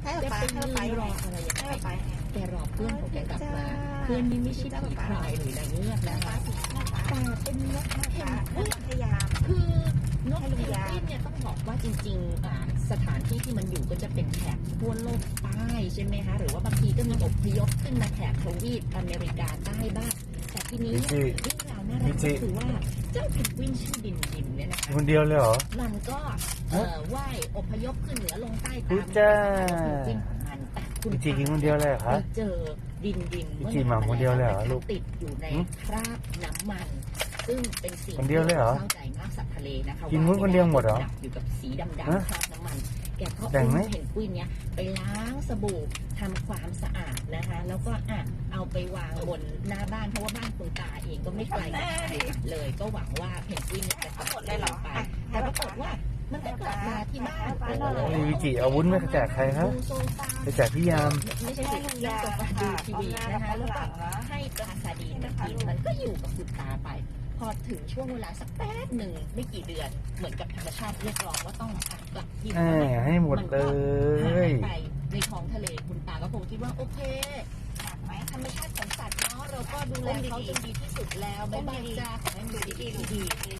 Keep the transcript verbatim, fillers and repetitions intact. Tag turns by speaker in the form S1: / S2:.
S1: จะไปยืนรออะไรอย่างเงี้ยแกรอเพื่อนของแกกลับมาเพื่อนนี่ไม่ใช่ผีพรายหรือนางเงือกนะคะแต่เป็นนกเพนกวินพยายามคือนกเพนกวินเนี่ยต้องบอกว่าจริงๆอ่าสถานที่ที่มันอยู่ก็จะเป็นแถบขั้วโลกใต้ใช่ไหมคะหรือว่าบางทีก็มีอพยพขึ้นมาแถบทวีปอเมริกาใต้บ้างแต่ทีนี้เนี่ยเรื่องราวน่ารักก็คือว่าเจ้าเพนกวินชื่อดินดินเนี่ยนะคะ
S2: คนเดียวเลยเหรอ
S1: มันก็เอ่อว่ายอพยพขึ้นเหนือลงใต้ตาม
S2: จ้า
S1: จริงของมันแต่คุณ
S2: พี่จีกินคนเดียวเลยเหรอ
S1: ไป
S2: คะ
S1: เจอดินดิน
S2: พี่จีหมาคนเดียวเลยเหรอลูก
S1: ติดอยู่ในคราบน้ำมัน ซึ่งเป็นสิ่ง
S2: คนเดียวเลยเหรอ
S1: เข้าใจมากสัตว์ทะเลนะคะ
S2: กินมุ้งคนเดียวหมดเหรอ
S1: อยู่กับสีดำ
S2: ฮะ
S1: ๆคราบน้ำมันแกก็
S2: แบ่งไหม
S1: อุ้มเพนกวินเนี้ยไปล้างสบู่ทำความสะอาดนะคะ แล้วก็อ่ะเอาไปวางบนหน้าบ้านเพราะว่าบ้านคุณตาเองก็ไม่ไกลจากชายหาดเลยก็หวังว่าเพนกวินเนี่ยจะกลับไปแต่ปรากฏว่ามันก็กลับมาที่บ้าน
S2: นี่วิจิเอาวุ้นไม่แจกใครครับ
S1: ดูโซฟา
S2: ไปแจกพี่ยาม
S1: ไม่ใช่สิเล่นโซฟาดูทีวีนะคะแล้วก็ให้ปลาซาดีนมันกินมันก็อยู่กับคุณตาไป พอถึงช่วงเวลาสักแป๊บหนึ่งไม่กี่เดือนเหมือนกับธรรมชาติเรียกร้องว่าต้องอ่ะกลับที่
S2: แหมให้หมดเลย
S1: ไปในท้องทะเลคุณตาก็คงคิดว่าโอเคธรรมชาติของสัตว์เนาะเราก็ดูแลเขาจนดีที่สุดแล้วบ๊ายบายจ้าขอให้ดูดีๆดี